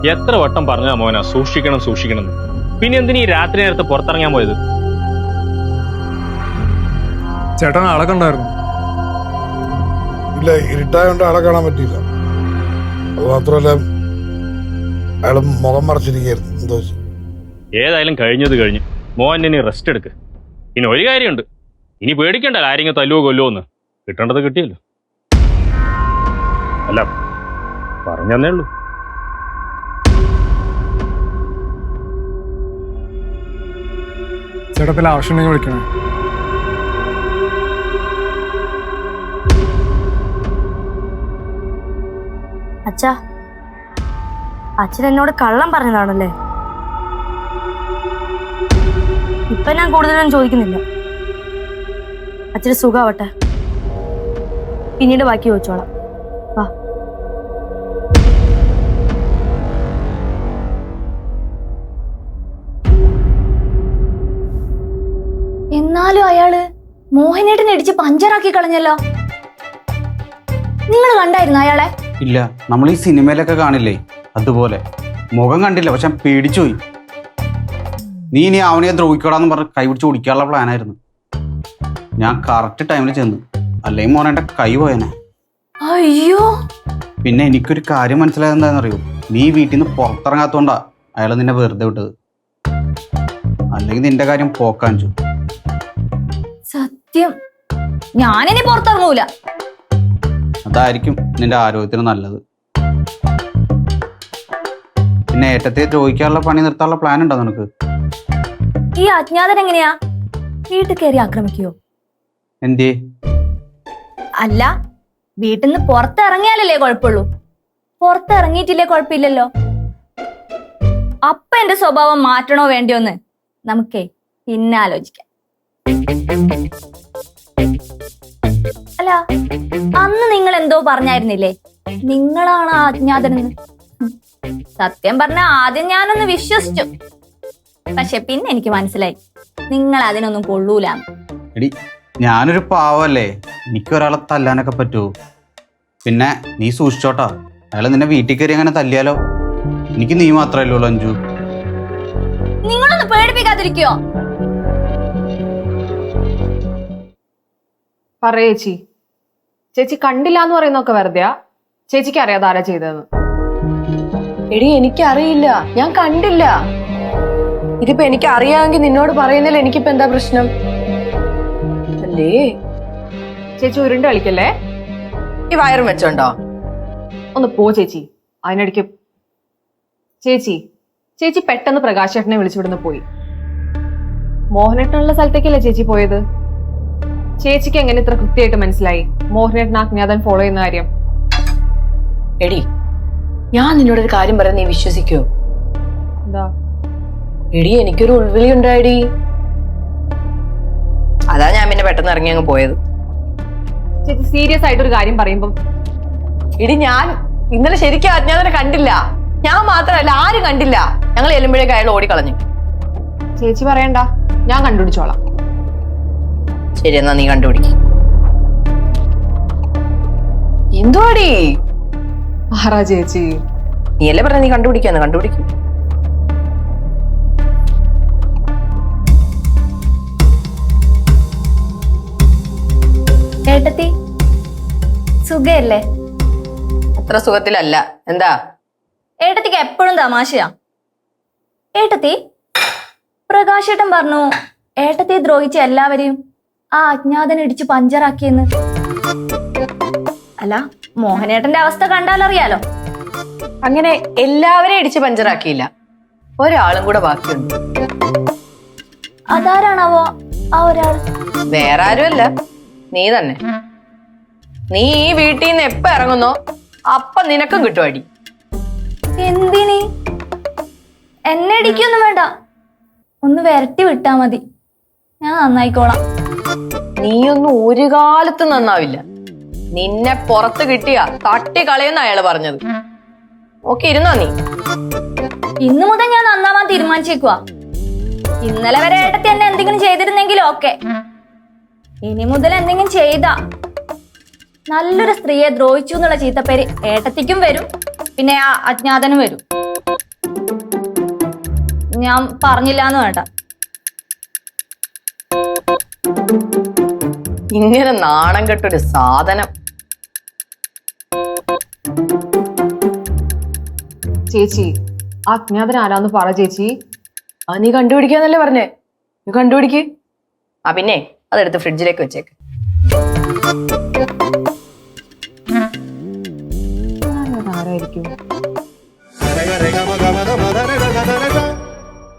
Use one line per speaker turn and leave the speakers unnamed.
എത്ര വട്ടം പറഞ്ഞാ മോനാ സൂക്ഷിക്കണം സൂക്ഷിക്കണം. പിന്നെ എന്തിനീ രാത്രി നേരത്തെ പുറത്തിറങ്ങാൻ പോയത്?
ചേട്ടൻ ആളെ കണ്ടായിരുന്നു?
ഇല്ല, ഇരുട്ടായോണ്ട് ആളെ കാണാൻ പറ്റിയില്ല. അത് മാത്രമല്ല, അയാൾ മുഖം മറച്ചിരിക്കുകയായിരുന്നു. എന്തോ
ഏതായാലും കഴിഞ്ഞത് കഴിഞ്ഞ്. മോൻ ഇനി റെസ്റ്റ് എടുക്ക്. പിന്നെ ഒരു കാര്യമുണ്ട്, ഇനി പേടിക്കണ്ടല്ലോ ആരെങ്കിലും തല്ലുവോ കൊല്ലുവോ എന്ന്. കിട്ടേണ്ടത് കിട്ടിയല്ലോ. അല്ല, പറഞ്ഞേ ഉള്ളൂ.
ചേട്ടത്തിൽ ആവശ്യമുണ്ടെങ്കിൽ വിളിക്കണേ.
അച്ഛാ, അച്ഛൻ എന്നോട് കള്ളം പറഞ്ഞതാണല്ലേ? ഇപ്പൊ ഞാൻ കൂടുതലൊന്നും ചോദിക്കുന്നില്ല. അച്ഛന് സുഖാവട്ടെ, പിന്നീട് ബാക്കി ചോദിച്ചോളാം. വാ.
എന്നാലും അയാള് മോഹനേട്ടനെ ഇടിച്ച് പഞ്ചറാക്കി കളഞ്ഞല്ലോ. നിങ്ങൾ കണ്ടായിരുന്നു അയാളെ?
ഇല്ല, നമ്മൾ ഈ സിനിമയിലൊക്കെ കാണില്ലേ അതുപോലെ. മുഖം കണ്ടില്ല, പക്ഷെ ഞാൻ പേടിച്ചുപോയി. നീ ഇനി അവനെ ദ്രോഹിക്കടാന്ന് പറഞ്ഞ് കൈ പിടിച്ച് ഓടിക്കാനുള്ള പ്ലാനായിരുന്നു. ഞാൻ കറക്റ്റ് ടൈമിൽ ചെന്നു, അല്ലെങ്കിൽ മോനെ കൈ പോയനെ.
അയ്യോ.
പിന്നെ എനിക്കൊരു കാര്യം മനസ്സിലായത് എന്താണെന്നറിയോ? നീ വീട്ടിൽ നിന്ന് പുറത്തിറങ്ങാത്തോണ്ടാ അയാൾ നിന്നെ വെറുതെ വിട്ടത്. അല്ലെങ്കിൽ നിന്റെ കാര്യം പോക്കാഞ്ചു.
സത്യം, ഞാനിനി പുറത്തിറങ്ങൂല.
അതായിരിക്കും നിന്റെ ആരോഗ്യത്തിന് നല്ലത്. പിന്നെ ഏട്ടത്തെ ദ്രോഹിക്കാനുള്ള പണി നിർത്താനുള്ള പ്ലാൻ ഉണ്ടോ നിനക്ക്?
ഈ അജ്ഞാതൻ എങ്ങനെയാ വീട്ടിൽ കയറി ആക്രമിക്കുവോ?
എന്തേ?
അല്ല, വീട്ടിൽ നിന്ന് പുറത്തിറങ്ങിയാലല്ലേ കുഴപ്പമുള്ളൂ. പുറത്തിറങ്ങിയിട്ടില്ലേ കുഴപ്പമില്ലല്ലോ. അപ്പൊ എന്റെ സ്വഭാവം മാറ്റണോ വേണ്ടിയോന്ന് നമുക്കേ പിന്നെ ആലോചിക്കാം. അല്ല, അന്ന് നിങ്ങൾ എന്തോ പറഞ്ഞായിരുന്നില്ലേ, നിങ്ങളാണ് ആ അജ്ഞാതനെന്ന്? സത്യം പറഞ്ഞ ആദ്യം ഞാനൊന്ന് വിശ്വസിച്ചു. പക്ഷെ പിന്നെ എനിക്ക് മനസ്സിലായി നിങ്ങൾ അതിനൊന്നും കൊള്ളൂലാന്ന്.
എടി, ഞാനൊരു പാവല്ലേ, എനിക്ക് ഒരാളെ തല്ലാനൊക്കെ പറ്റുമോ? പിന്നെ നീ സൂക്ഷിച്ചോട്ടാ, അയാൾ നിന്നെ വീട്ടിൽ കയറി അങ്ങനെ തല്ലിയാലോ? എനിക്ക് നീ മാത്രമല്ലേ ഉള്ളൂ അഞ്ജു.
നിങ്ങളൊന്ന് പേടിപ്പിക്കാതിരിക്കോ?
പറയേച്ചി, ചേച്ചി കണ്ടില്ല എന്ന് പറയുന്നൊക്കെ വെറുതെയാ? ചേച്ചിക്ക് അറിയാതെ ആരാ ചെയ്തതെന്ന്?
എടി, എനിക്കറിയില്ല, ഞാൻ കണ്ടില്ല. ഇതിപ്പോ എനിക്ക് അറിയാമെങ്കിൽ നിന്നോട് പറയുന്നതിൽ എനിക്കിപ്പോ എന്താ പ്രശ്നം? അല്ലേ
ചേച്ചി ഉരുണ്ട് കളിക്കല്ലേ.
ഈ വയറും വെച്ചോണ്ടോ?
ഒന്ന് പോ ചേച്ചി. അതിനിടയ്ക്ക് ചേച്ചി പെട്ടെന്ന് പ്രകാശേട്ടനെ വിളിച്ചുവിടുന്ന് പോയി. മോഹനേട്ടനുള്ള സ്ഥലത്തേക്കല്ലേ ചേച്ചി പോയത്? ചേച്ചിക്ക് എങ്ങനെ ഇത്ര കൃത്യമായിട്ട് മനസ്സിലായി മോഹനേട്ടൻ അജ്ഞാതൻ ഫോളോ ചെയ്യുന്ന കാര്യം?
എടി, ഞാൻ നിന്നോടൊരു കാര്യം പറയാൻ നീ വിശ്വസിക്കോ?
എന്താ?
എടി, എനിക്കൊരു ഉൾവിളി ഉണ്ടായിടി. അതാ ഞാൻ പിന്നെ പെട്ടെന്ന് ഇറങ്ങി അങ്ങ് പോയത്.
ചേച്ചി സീരിയസ് ആയിട്ട് ഒരു കാര്യം പറയുമ്പം.
എടി, ഞാൻ ഇന്നലെ ശരിക്കും അജ്ഞാതനെ കണ്ടില്ല. ഞാൻ മാത്രമല്ല, ആരും കണ്ടില്ല. ഞങ്ങൾ ചെല്ലുമ്പോഴേക്ക് അയാൾ ഓടിക്കളഞ്ഞു.
ചേച്ചി പറയണ്ട, ഞാൻ കണ്ടുപിടിച്ചോളാം.
ശരി, എന്നാ നീ കണ്ടുപിടിക്കും. എന്തുവാടി
ആറാ ചേച്ചി?
നീയല്ലേ പറഞ്ഞ നീ കണ്ടുപിടിക്കാന്ന്. കണ്ടുപിടിക്കും.
ഏട്ടത്തി, സുഖല്ലേ?
അത്ര സുഖത്തിലല്ല. എന്താ?
ഏട്ടത്തിക്ക് എപ്പോഴും തമാശയാ. ഏട്ടത്തി, പ്രകാശേട്ടൻ പറഞ്ഞു ഏട്ടത്തെ ദ്രോഹിച്ച എല്ലാവരെയും ആ അജ്ഞാതൻ ഇടിച്ച് പഞ്ചറാക്കിയെന്ന്. അല്ല, മോഹനേട്ടന്റെ അവസ്ഥ കണ്ടാലറിയാലോ.
അങ്ങനെ എല്ലാവരെയും ഇടിച്ച് പഞ്ചറാക്കിയില്ല, ഒരാളും കൂടെ ബാക്കിയുണ്ട്.
അതാരാണാവോ ആ ഒരാൾ?
വേറെ ആരുമല്ല, നീ തന്നെ. നീ ഈ വീട്ടിൽ നിന്ന് എപ്പ ഇറങ്ങുന്നോ അപ്പൊ നിനക്കും കിട്ടും അടി.
എന്തിനി? എന്നെ ഇടിക്കൊന്നും വേണ്ട, ഒന്ന് വരട്ടി വിട്ടാ മതി, ഞാൻ നന്നായിക്കോളാം.
നീയൊന്നും ഒരു കാലത്തും നന്നാവില്ല. നിന്നെ പുറത്ത് കിട്ടിയാ തട്ടി കളയുന്ന അയാള് പറഞ്ഞത്. ഓക്കെ, ഇരുന്നോ നീ?
ഇന്നു മുതൽ ഞാൻ നന്നാവാൻ തീരുമാനിച്ചേക്കുവാ. ഇന്നലെ വരെ ഏട്ടത്തി എന്നെ എന്തെങ്കിലും ചെയ്തിരുന്നെങ്കിലും ഓക്കെ. ഇനി മുതൽ എന്തെങ്കിലും ചെയ്താ നല്ലൊരു സ്ത്രീയെ ദ്രോഹിച്ചു എന്നുള്ള ചീത്തപ്പേര് ഏട്ടത്തിക്കും വരും, പിന്നെ ആ അജ്ഞാതനും വരും. ഞാൻ പറഞ്ഞില്ല എന്ന് വേണ്ട.
ഇങ്ങനെ നാണം കെട്ടൊരു സാധനം.
ചേച്ചി അജ്ഞാതൻ ആരാന്ന് പറ ചേച്ചി.
ആ നീ കണ്ടുപിടിക്കാന്നല്ലേ പറഞ്ഞേ, നീ കണ്ടുപിടിക്ക്. ആ പിന്നെ അതെടുത്ത് ഫ്രിഡ്ജിലേക്ക് വെച്ചേക്ക്.